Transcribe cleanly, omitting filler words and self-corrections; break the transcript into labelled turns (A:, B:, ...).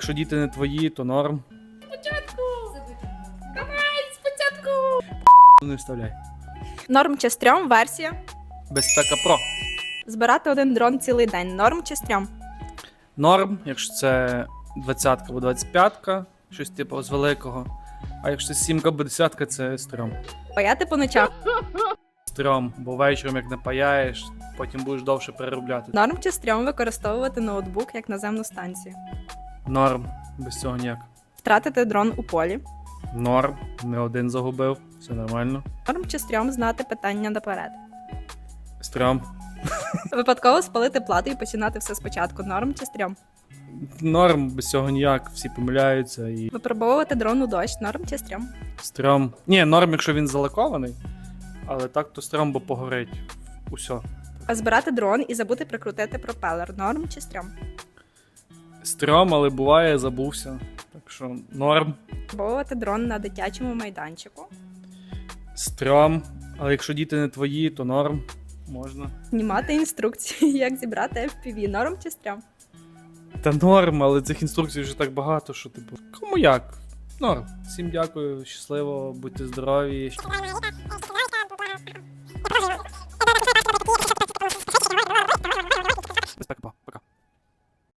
A: якщо діти не твої, то норм.
B: Спочатку! Давай, спочатку!
A: Не вставляй.
C: Норм чи стрьом версія.
A: Безпека Про.
C: Збирати один дрон цілий день. Норм чи стрьом.
A: Норм, якщо це 20-ка або 25-ка, щось типу з великого. А якщо це 7-ка або 10-ка, це стрьом.
C: Паяти по ночах.
A: Стрьом, бо вечором як не паяєш, потім будеш довше переробляти.
C: Норм чи стрьом використовувати ноутбук як наземну станцію.
A: Норм, без цього ніяк.
C: Втратити дрон у полі.
A: Норм, не один загубив, все нормально.
C: Норм чи стрьом знати питання наперед.
A: Стрьом.
C: Випадково спалити плату і починати все спочатку. Норм чи стрьом.
A: Норм, без цього ніяк, всі помиляються і
C: Випробовувати дрон у дощ. Норм чи стрьом.
A: стрьом. Ні, норм, якщо він залакований, але так то стрьом, бо погорить. Усьо.
C: А збирати дрон і забути прикрутити пропелер. Норм чи стрьом.
A: Стрьом, але буває, забувся. Так що норм.
C: Випробовувати дрон на дитячому майданчику.
A: Стрьом, але якщо діти не твої, то норм. Можна.
C: Знімати інструкції, як зібрати FPV. Норм чи стрьом.
A: Та норм, але цих інструкцій вже так багато, що типу, кому як? Норм. Всім дякую, щасливо, будьте здорові. Безпека.